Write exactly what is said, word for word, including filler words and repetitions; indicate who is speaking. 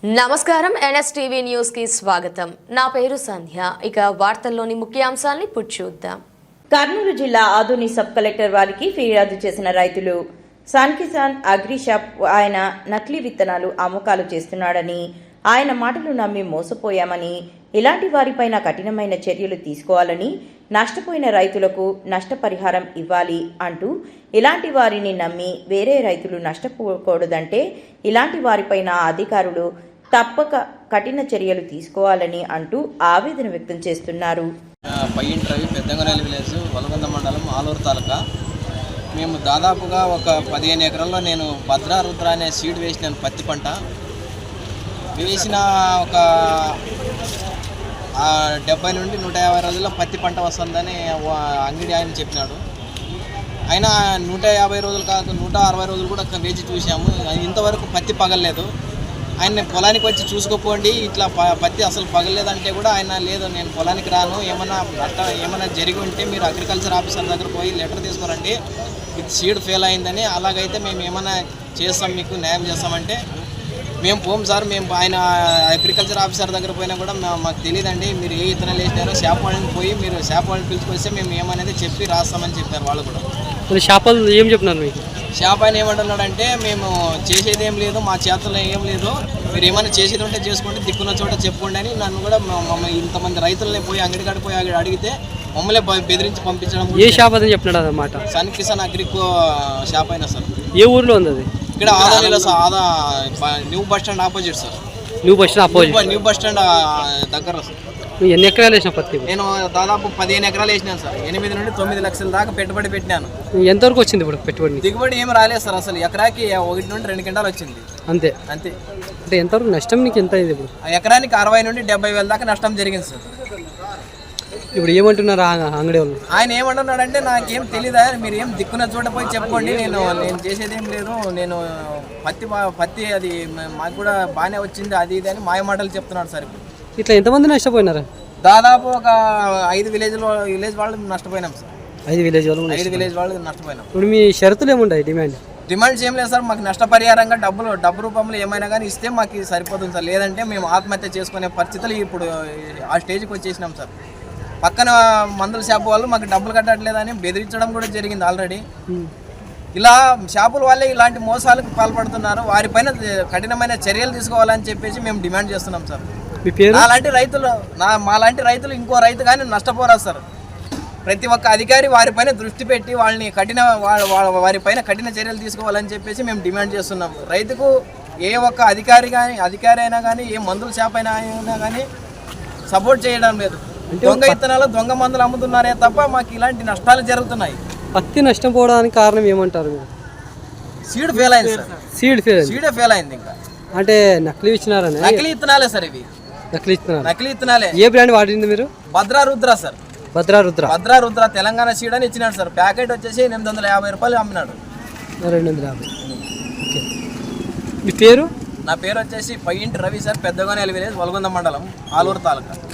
Speaker 1: నమస్కారం NSTV news కి స్వాగతం. నా పేరు సంధ్య. ఇక వార్తల్లోని ముఖ్యాంశాలను ఇప్పుడు చూద్దాం.
Speaker 2: కర్నూలు జిల్లా ఆదోని సబ్ కలెక్టర్ వారికి ఫిర్యాదు చేసిన రైతులు సన్ కిసాన్ అగ్రి షాప్ ఆయన నకిలీ విత్తనాలు అమ్మకాలు చేస్తున్నాడని, ఆయన మాటలు నమ్మి మోసపోయామని, ఇలాంటి వారిపైన కఠినమైన చర్యలు తీసుకోవాలని, నష్టపోయిన రైతులకు నష్టపరిహారం ఇవ్వాలి అంటూ, ఇలాంటి వారిని నమ్మి వేరే రైతులు నష్టపోకూడదంటే ఇలాంటి వారిపైన అధికారులు తప్పక కఠిన చర్యలు తీసుకోవాలని అంటూ ఆవేదన వ్యక్తం చేస్తున్నారు.
Speaker 3: పయ్యింటి రవి, పెద్దంగనేలి విలేజ్, వలగొంద మండలం, ఆలూరు తాలూకా. మేము దాదాపుగా ఒక పదిహేను ఎకరాల్లో నేను భద్రా రుద్ర అనే సీడ్ వేసినాను. పత్తి పంట వేసిన ఒక డెబ్బై నుండి నూట యాభై రోజుల్లో పత్తి పంట వస్తుందని అంగడి ఆయన చెప్పినాడు. అయినా నూట యాభై రోజులు కాదు, నూట అరవై రోజులు కూడా వేచి చూసాము. ఇంతవరకు పత్తి పగలలేదు. ఆయన పొలానికి వచ్చి చూసుకోపోండి, ఇట్లా పత్తి అసలు పగలేదంటే కూడా ఆయన లేదు, నేను పొలానికి రాను, ఏమన్నా అట్ట ఏమైనా జరిగి ఉంటే మీరు అగ్రికల్చర్ ఆఫీసర్ దగ్గర పోయి లెటర్ తీసుకురండి, ఇది సీడ్ ఫెయిల్ అయిందని, అలాగైతే మేము ఏమైనా చేస్తాం, మీకు న్యాయం చేస్తామంటే మేము పోం సార్, మేము ఆయన అగ్రికల్చర్ ఆఫీసర్ దగ్గర పోయినా కూడా మాకు తెలియదండి, మీరు ఏ ఇతనాలు వేసినారో షాప్ వాళ్ళని పోయి మీరు షాప్ వాళ్ళని పిలుచుకొస్తే మేము ఏమనేది చెప్పి రాస్తామని చెప్పారు వాళ్ళు కూడా.
Speaker 4: షాప్ వాళ్ళు ఏం చెప్తున్నారు మీకు?
Speaker 3: షాప్ ఆయన ఏమంటున్నాడంటే, మేము చేసేది ఏం లేదు, మా చేతుల్లో ఏం లేదు, మీరు ఏమైనా చేసేది ఉంటే చేసుకుంటే దిక్కున్న చోట చెప్పుకోండి అని నన్ను కూడా మమ్మల్ని ఇంతమంది రైతులనే పోయి అంగడి కాడ పోయి అక్కడ అడిగితే మమ్మల్ని బెదిరించి పంపించడం.
Speaker 4: ఏ షాప్ అని చెప్పినాడు అన్నమాట?
Speaker 3: సన్ కిసాన్ అగ్రికో షాప్ అయినా సార్.
Speaker 4: ఏ ఊర్లో ఉంది అది?
Speaker 3: ఇక్కడ ఆదానిలో సార్, ఆదా new bus stand opposite sir.
Speaker 4: New bus stand opposite,
Speaker 3: new bus stand దగ్గర సార్.
Speaker 4: ఎన్ని ఎకరాలు వేసిన పత్తి?
Speaker 3: నేను దాదాపు పదిహేను ఎకరాలు వేసినాను సార్. ఎనిమిది నుండి తొమ్మిది లక్షల దాకా పెట్టుబడి పెట్టినాను.
Speaker 4: ఎంతవరకు వచ్చింది ఇప్పుడు పెట్టుబడి?
Speaker 3: దిగుబడి ఏం రాలేదు సార్, అసలు ఎకరాకి ఒకటి నుండి రెండు క్వింటాలు వచ్చింది
Speaker 4: అంతే.
Speaker 3: అంతే.
Speaker 4: అంటే ఎంతవరకు నష్టం నీకు ఎంత అయింది ఇప్పుడు?
Speaker 3: ఎకరానికి అరవై నుండి డెబ్బై వేల దాకా నష్టం జరిగింది సార్.
Speaker 4: ఇప్పుడు ఏమంటున్నారు అంగడి వాళ్ళు?
Speaker 3: ఆయన ఏమంటున్నాడంటే, నాకేం తెలీదా, మీరు ఏం దిక్కున్న చోట పోయి చెప్పుకోండి, నేను నేను చేసేది ఏం లేదు, నేను పత్తి పత్తి అది మాకు కూడా బాగానే వచ్చింది, అది ఇది అని మాయ మాటలు చెప్తున్నాడు సార్. ఇప్పుడు
Speaker 4: ఇట్లా ఎంతమంది నష్టపోయినారు?
Speaker 3: దాదాపు ఒక ఐదు విలేజ్ విలేజ్ వాళ్ళు నష్టపోయినాం సార్.
Speaker 4: ఐదు విలేజ్ వాళ్ళు
Speaker 3: ఐదు విలేజ్ వాళ్ళు నష్టపోయినాం.
Speaker 4: ఇప్పుడు మీ షరతులు ఏముంటాయి? డిమాండ్
Speaker 3: డిమాండ్స్ ఏం లేదు సార్, మాకు నష్టపరిహారంగా డబ్బులు డబ్బు రూపంలో ఏమైనా కానీ ఇస్తే మాకు సరిపోతుంది సార్, లేదంటే మేము ఆత్మహత్య చేసుకునే పరిస్థితులు ఇప్పుడు ఆ స్టేజ్కి వచ్చేసినాం సార్. పక్కన మందుల షాపు వాళ్ళు మాకు డబ్బులు కట్టట్లేదని బెదిరించడం కూడా జరిగింది ఆల్రెడీ. ఇలా షాపుల వాళ్ళే ఇలాంటి మోసాలకు పాల్పడుతున్నారు, వారిపైన కఠినమైన చర్యలు తీసుకోవాలని చెప్పేసి మేము డిమాండ్ చేస్తున్నాం సార్. అలాంటి రైతులు నా మాలాంటి రైతులు ఇంకో రైతు కానీ నష్టపోరాదు సార్. ప్రతి ఒక్క అధికారి వారిపైన దృష్టి పెట్టి వాళ్ళని కఠిన వారిపైన కఠిన చర్యలు తీసుకోవాలని చెప్పేసి మేము డిమాండ్ చేస్తున్నాం. రైతుకు ఏ ఒక్క అధికారి కానీ అధికారి అయినా కానీ ఏ మందుల షాప్ అయినా అయినా కానీ సపోర్ట్ చేయడం లేదు. దొంగ ఇత్తనాలు దొంగ మందులు అమ్ముతున్నారే తప్ప మాకు ఇలాంటి నష్టాలు జరుగుతున్నాయి.
Speaker 4: పత్తి నష్టం పోవడానికి కారణం ఏమంటారు?
Speaker 3: సీడ్ ఫెయిల్ అయింది సార్.
Speaker 4: సీడ్ ఫెయిల్
Speaker 3: సీడే ఫెయిల్ అయింది. ఇంకా
Speaker 4: అంటే నకిలీ ఇచ్చినారని?
Speaker 3: నకిలీ ఇత్తనాలే సార్ ఇవి.
Speaker 4: నకిలీ ఇత్తనాలు? నకిలీ
Speaker 3: ఇత్తనాలే.
Speaker 4: ఏ బ్రాండ్ వాడింది మీరు?
Speaker 3: భద్రా రుద్ర సార్.
Speaker 4: భద్రా రుద్ర
Speaker 3: భద్రా రుద్ర తెలంగాణ సీడ్ అని ఇచ్చినాడు సార్. ప్యాకెట్ వచ్చేసి ఎనిమిది వందల యాభై రూపాయలు అమ్మినాడు.
Speaker 4: రెండు వందల యాభై ఓకే. మీ పేరు?
Speaker 3: నా పేరు వచ్చేసి పయ్యింటి రవి సార్, పెద్దగోనేలి విలేజ్, వలగొంద మండలం, ఆలూరు తాలూకా.